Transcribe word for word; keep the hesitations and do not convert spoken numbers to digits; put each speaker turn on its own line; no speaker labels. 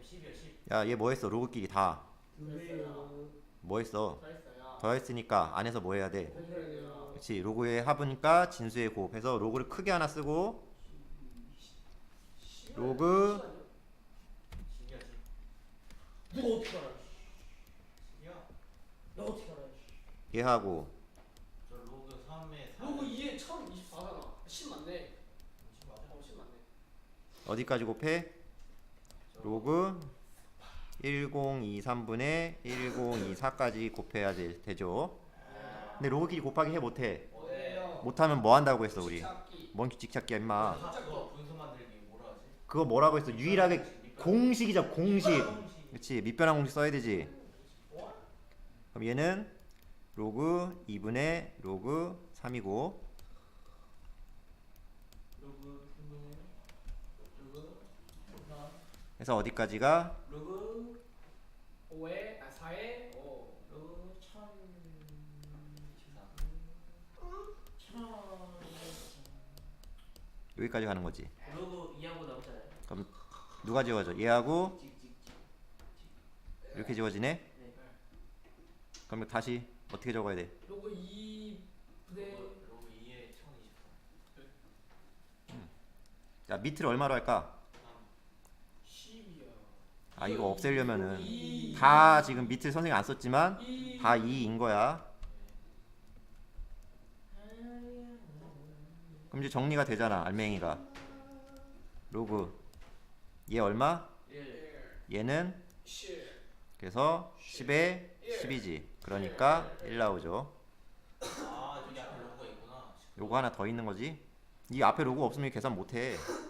십이야 십.
야, 얘 뭐 했어? 로그끼리 다.
두배요.
뭐 했어?
다 했어요.
더했으니까 안에서 뭐 해야 돼?
곱해야 돼요.
그렇지. 로그의 합이니까 진수의 곱해서 로그를 크게 하나 쓰고 로그
십이야 십.
누가 어떻게 알아?
십이야.
너 어떻게 알아?
얘하고
저 로그 삼에 사.
로그 이에 천이십사잖아. 십 맞네.
십 맞아?
어, 십 맞네.
어디까지 곱해? 로그 천이십삼분의 천이십사까지 곱해야 되, 되죠. 근데 로그끼리 곱하기 해 못해?
뭐예요?
못하면 뭐 한다고 했어 우리?
찾기.
뭔 규칙 찾기야 임마.
아, 그거 분수 만들기 뭐라 하지?
그거 뭐라고 했어? 유일하게 공식이자 공식.
공식.
그렇지. 밑변환 공식 써야 되지. 그럼 얘는 로그 이분의 로그 삼이고
로그 삼분의 로그 사.
그래서 어디까지가?
로그 오에 아 사에 오 로그 천십사. 천.
여기까지 가는 거지.
로그 이하고 나오잖아요.
그럼 누가 지워져? 얘하고
찍찍찍.
이렇게 지워지네?
네.
그럼 다시 어떻게 적어야 돼?
로그 이 분의
로그 로그 이에 천이십사.
자, 밑을 얼마로 할까?
십이야.
아, 이거 없애려면은
이.
다 지금 밑을 선생님 안 썼지만
이.
다 이인 거야. 그럼 이제 정리가 되잖아. 알맹이가 로그 얘 얼마?
일.
얘는
십.
그래서 십에 십이지. 그러니까 일 나오죠.
아 저기 앞에 로그가 있구나.
요거 하나 더 있는 거지. 이 앞에 로고 없으면 계산 못 해.